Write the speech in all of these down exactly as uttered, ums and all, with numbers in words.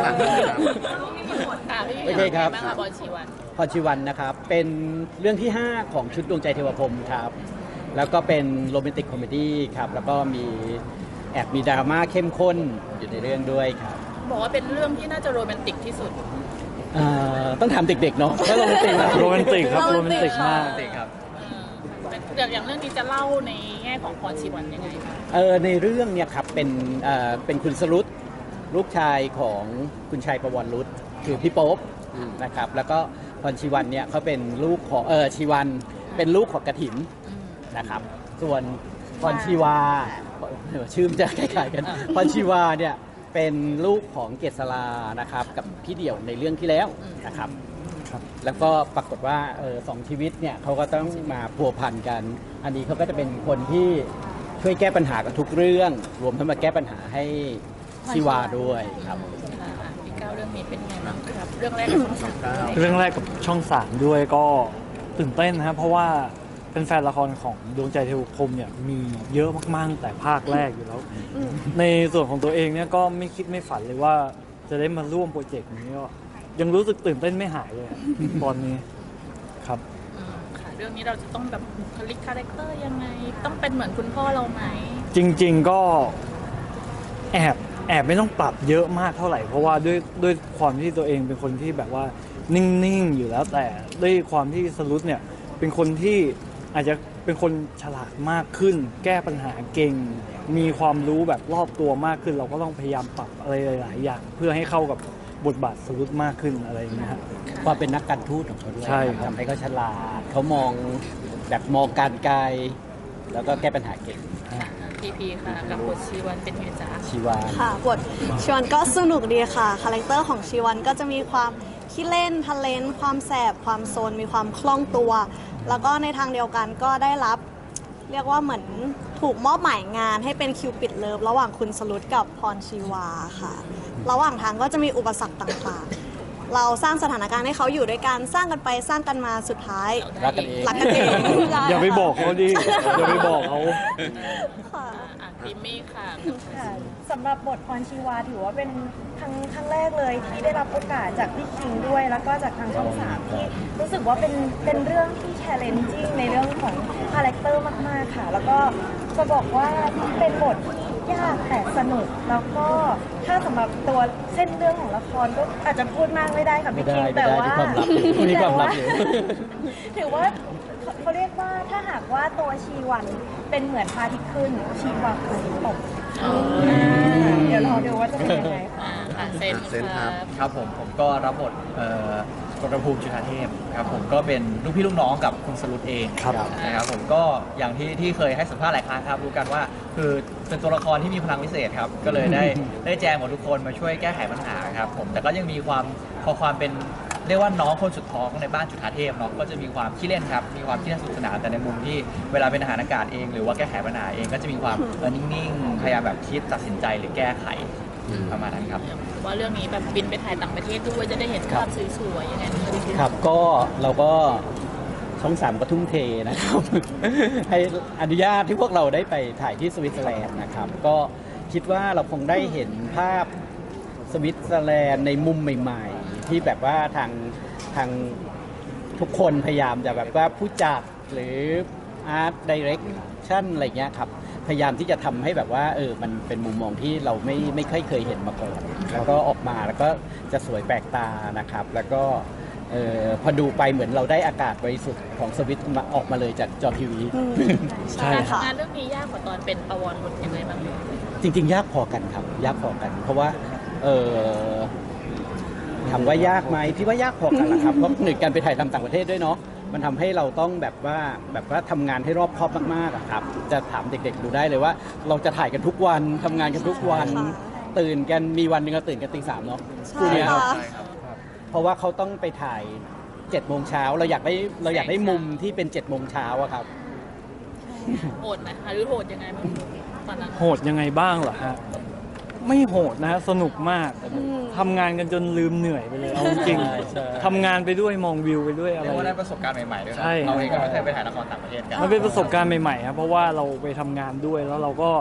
โอเคครับบ้างคะบอลชีวันพรชีวันนะครับเป็นเรื่องที่ ห้า ของชุดดวงใจเทวพรหมครับแล้วก็เป็นโรแมนติกคอมเมดี้ครับแล้วก็มีแอบมีดราม่าเข้มข้นอยู่ในเรื่องด้วยครับบอกว่าเป็นเรื่องที่น่าจะโรแมนติกที่สุดเอ่อต้องถามเด็กๆเนาะถ้าโรแมนติกนะโรแมนติกครับโรแมนติกมากครับแต่อย่างเรื่องนี้จะเล่าในแง่ของพรชีวันยังไงคะเออในเรื่องเนี่ยครับเป็นเอ่อเป็นคุณสรุตลูกชายของคุณชายประวรรุตคือพี่โป๊ปนะครับแล้วก็พรชีวันเนี่ยเขาเป็นลูกของเออชีวันเป็นลูกของกฐินนะครับส่วนพรชีวาเออชื่อมันจะคล้ายๆกันพรชีวาเนี่ยเป็นลูกของเกษรานะครับกับพี่เดี่ยวในเรื่องที่แล้วนะครับแล้วก็ปรากฏว่าเออสองชีวิตเนี่ยเขาก็ต้องมาพัวพันกัน อันนี้เขาก็จะเป็นคนที่ช่วยแก้ปัญหากับทุกเรื่อง รวมทั้งมาแก้ปัญหาให้ชีวาด้วยครับพี่ก้าวเรื่องนี้เป็นไงบ้างครับเรื่องแรกของช่องสามเรื่องแรกกับช่องสามด้วยก็ตื่นเต้นนะครับเพราะว่าเป็นแฟนละครของดวงใจเทวพรหมเนี่ยมีเยอะมากๆแต่ภาคแรกอยู่แล้ว ในส่วนของตัวเองเนี่ยก็ไม่คิดไม่ฝันเลยว่าจะได้มาร่วมโปรเจกต์นี้ก็ยังรู้สึกตื่นเต้นไม่หายเลยอะตอนนี้ครับค่ะเรื่องนี้เราจะต้องแบบบุคลิกคาแรคเตอร์ยังไง ต้องเป็นเหมือนคุณพ่อเราไหมจริงๆก็แอบแอบไม่ต้องปรับเยอะมากเท่าไหร่เพราะว่าด้วยด้วยความที่ตัวเองเป็นคนที่แบบว่านิ่งๆอยู่แล้วแต่ด้วยความที่สรุปเนี่ยเป็นคนที่อาจจะเป็นคนฉลาดมากขึ้น แก้ปัญหาเก่ง มีความรู้แบบรอบตัวมากขึ้น เราก็ต้องพยายามปรับอะไรหลายๆอย่างเพื่อให้เข้ากับบทบาทสรุปมากขึ้นอะไรอย่างเงี้ยครับความเป็นนักการทูตของเขาด้วยใช่ครับทำให้เขาฉลาดเขามองแบบมองการไกลแล้วก็แก้ปัญหาเก่งพีพีค่ะกับบทชีวันเป็นไงจ๊ะชีวาค่ะบทชีวันก็สนุกดีค่ะคาแรคเตอร์ของชีวันก็จะมีความขี้เล่นทะเลนความแสบความโซนมีความคล่องตัว แล้วก็ในทางเดียวกันก็ได้รับ เรียกว่าเหมือนถูกมอบหมายงานให้เป็นคิวปิดเลิฟระหว่างคุณสรุตกับพรชีวาค่ะ ระหว่างทางก็จะมีอุปสรรคต่างๆ เราสร้างสถานการณ์ให้เขาอยู่ด้วยกันสร้างกันไปสร้างกันมาสุดท้ายรักกันเองรักกันเองอย่าไปบอกเขาดิอย่าไปบอกเขาค่ะอ่ะพิมมี่ค่ะค่ะสำหรับบทพรชีวาถือว่าเป็นครั้งครั้งแรกเลยที่ได้รับโอกาสจากพี่คิงด้วย แล้วก็จากทางช่องสามที่รู้สึกว่าเป็นเป็นเรื่องที่ challenging ในเรื่องของคาแรคเตอร์มากๆค่ะ แล้วก็จะบอกว่าเป็นบทที่ยากแต่สนุก แล้วก็ถ้าสำหรับตัวเส้นเรื่องของละครก็อาจจะพูดมากไม่ได้ค่ะไม่พี่ได้คิงไม่แต่ได้ว่าที่ความลับอยู่นี่ความลับอยู่ถือว่าเขาเรียกว่าถ้าหากว่าตัวชีวันเป็นเหมือนพระอาทิตย์ขึ้นชีวาคืออาทิตย์ตกเดี๋ยวรอดูว่าจะเป็นยังไงค่ะอ่าค่ะเซนเซนครับครับผมผมก็รับบทเอ่อกรภูมิจุฑาเทพครับผมก็เป็นลูกพี่ลูกน้องกับคุณสรุตเองครับนะครับผมก็อย่างที่ที่เคยให้สัมภาษณ์หลายครั้งครับรู้กันว่าคือเป็นตัวละครที่มีพลังพิเศษครับก็เลยได้ได้แจมกับทุกคนมาช่วยแก้ไขปัญหาครับผมแต่ก็ยังมีความพอความเป็นเรียกว่าน้องคนสุดท้องในบ้านจุฑาเทพเนาะก็จะมีความขี้เล่นครับมีความขี้เล่นสนุกสนานแต่ในมุมที่เวลาเป็นทหารอากาศเอง หรือว่าแก้ไขปัญหาเองก็จะมีความเออนิ่งๆพยายามแบบคิดตัดสินใจหรือแก้ไขประมาณนั้นครับว่าเรื่องนี้แบบบินไปถ่ายต่างประเทศด้วยจะได้เห็นภาพสวยๆยังไงบ้างคะพี่ครับก็เราก็ช่องสามก็ทุ่มเทนะครับ ให้อนุญาตที่พวกเราได้ไปถ่ายที่สวิตเซอร์แลนด์นะครับ ก็คิดว่าเราคงได้เห็นภาพสวิตเซอร์แลนด์ในมุมใหม่ๆ ที่แบบว่าทางทางทุกคนพยายามจะแบบว่าผู้จัดหรืออาร์ตดิเรกชั่นอะไรเงี้ยครับพยายามที่จะทำให้แบบว่าเออมันเป็นมุมมองที่เราไม่ไม่ค่อยเคยเห็นมาก่อนแล้วก็ออกมาแล้วก็จะสวยแปลกตานะครับ แล้วก็เออพอดูไปเหมือนเราได้อากาศบริสุทธิ์ของสวิตมาออกมาเลยจากจอทีวีใช่การครับทำงานเรื่องนี้ยากกว่าตอนเป็นประวรบุตรยังไงบ้างคะจริงๆ ยากพอกันครับ ยากพอกัน เพราะว่าเออถามว่ายากไหมพี่ว่ายากพอกันแหละครับ เพราะหนึ่งการไปถ่ายทำต่างประเทศด้วยเนาะมันทำให้เราต้องแบบว่าแบบว่าทำงานให้รอบคอบมากๆอะครับ จะถามเด็กๆดูได้เลยว่า เราจะถ่ายกันทุกวันทำงานกันทุกวันใช่ค่ะตื่นกันมีวันหนึ่งเราตื่นกันตีสามเนาะใช่คู่เนี้ยค่ะเพราะว่าเขาต้องไปถ่ายเจ็ดโมงเช้าเราอยากได้เราอยากได้มุมที่เป็นเจ็ดโมงเช้าอะครับโหดไหมคะหรือโหดยังไงบ้างตอนนั้นโหดยังไงบ้างเหรอฮะไม่โหดนะฮะสนุกมากทำงานกันจนลืมเหนื่อยไปเลยเอาจริงใช่ใช่ทำงานไปด้วยมองวิวไปด้วยอะไรเรียกว่าได้ประสบการณ์ใหม่ๆด้วยนะใช่เราเองก็ไม่เคยไปถ่ายละครต่างประเทศกันมันเป็นประสบการณ์ใหม่ๆครับเพราะว่าเราไปทำงานด้วยแล้วเราก็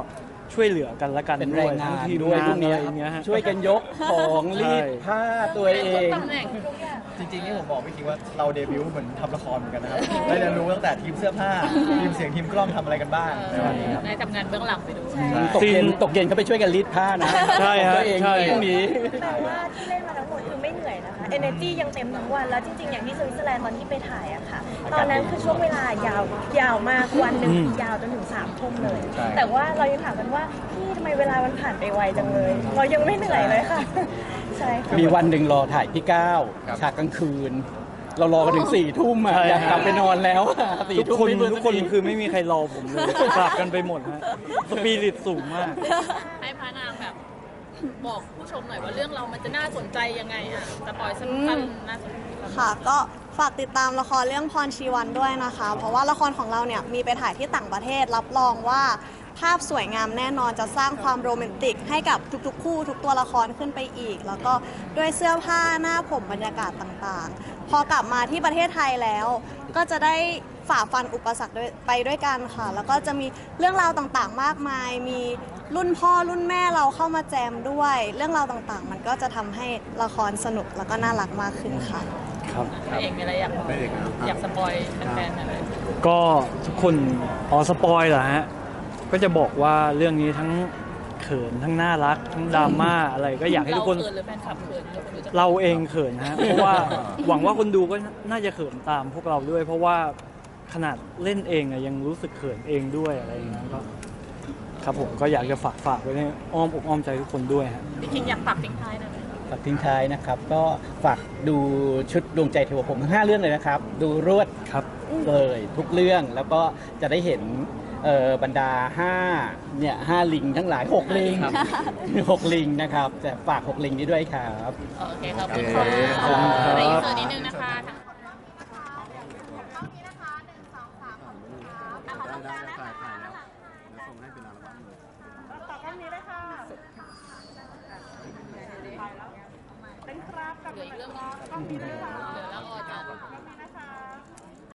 ช่วยเหลือกันและกันเป็นด้แรวยงงานทั้ทีมด้วยงาพนวกอะเนี้ไรยอย่างเงี้ยฮะช่วยกันยกของรีดใช่ผ้าตัวเองตำแหน่งจริงๆนี่ผมบอกพี่คิงว่าเราเดบิวต์เหมือนทำละครเหมือนกันนะครับได้เรียนรู้ตั้งแต่ทีมเสื้อผ้าทีมเสียงทีมกล้องทำอะไรกันบ้างในวันนี้ครับได้ทำงานเบื้องหลังไปดูตกเย็นตกเย็นเขาไปช่วยกันรีดผ้านะใช่ฮะตัวเองใช่พรุ่งนี้แต่ว่าที่เล่นมาทั้งหมดคือไม่เหนื่อยนะคะ energy ยังเต็มทั้งวัน แล้วจริงๆ อย่างที่สวิตเซอร์แลนด์ตอนที่ไปถ่ายอะค่ะ ตอนนั้นคือช่วงเวลายาวยาวมากวันหนึ่งอืมยาวจนถึงสามทุ่มเลยใช่แต่ว่าเรายังถามกันว่าพี่ทำไมเวลามันผ่านไปไวจังเลย เรายังไม่เหนื่อยเลยค่ะ ใช่ค่ะมีวันหนึ่งรอถ่ายพี่ก้าวครับฉากกลางคืน เรารอกันถึงสี่ทุ่มอะใช่อยากกลับไปนอนแล้วอะสี่ทุกทุ่มคนไม่เบื่อทุกคนสัทีคือไม่มีใครรอผมเลยกลับกันไปหมดฮะสปิริตสูงมากให้พระนางแบบบอกผู้ชมหน่อยว่าเรื่องเรามันจะน่าสนใจยังไงอ่ะสปอยสั้นๆน่าสนใจค่ะก็ฝากติดตามละครเรื่องพรชีวันด้วยนะคะ เพราะว่าละครของเราเนี่ยมีไปถ่ายที่ต่างประเทศรับรองว่าภาพสวยงามแน่นอนจะสร้างความโรแมนติกให้กับทุกๆ คู่ทุกตัวละครขึ้นไปอีก แล้วก็ด้วยเสื้อผ้าหน้าผมบรรยากาศต่างๆ พอกลับมาที่ประเทศไทยแล้ว ก็จะได้ฝ่าฟันอุปสรรคด้วยไปด้วยกันค่ะ แล้วก็จะมีเรื่องราวต่างๆ มากมาย มีรุ่นพ่อรุ่นแม่เราเข้ามาแจมด้วย เรื่องราวต่างๆ มันก็จะทำให้ละครสนุกแล้วก็น่ารักมากขึ้นค่ะครับพระเอกมีอะไรอยากบอกอยากสปอยแฟนๆหน่อยไหมก็ทุกคนอ๋อสปอยเหรอฮะ ก็จะบอกว่าเรื่องนี้ทั้งเขินทั้งน่ารัก ทั้งดราม่าอะไรก็อยากให้ทุกคนเราเขินหรือแฟนคลับเขินเราคนดูจะเราเองเขินฮะ เพราะว่าหวังว่าคนดูก็น่าจะเขินตามพวกเราด้วย เพราะว่าขนาดเล่นเองอะยังรู้สึกเขินเองด้วยอะไรอย่างเงี้ยก็ครับผมก็อยากจะฝากฝากไว้ในอ้อมอกอ้อมใจทุกคนด้วยฮะพี่คิงอยากฝากทิ้งท้ายหน่อยไหมฝากทิ้งท้ายนะครับ ก็ฝากดูชุดดวงใจเทวพรหมทั้งห้าเรื่องเลยนะครับ ดูรวดครับเลยทุกเรื่องแล้วก็จะได้เห็นเอ่อบรรดาห้าเนี่ยห้าลิงทั้งหลายหกลิงหกลิงนะครับจะฝากหกลิงนี้ด้วยครับโอเคขอบคุณค่ะขอบคุณครับในอินเสิร์ตนิดนึงนะคะทั้ง เหลืออีกเรื่องนึงเหลือแล้วออจ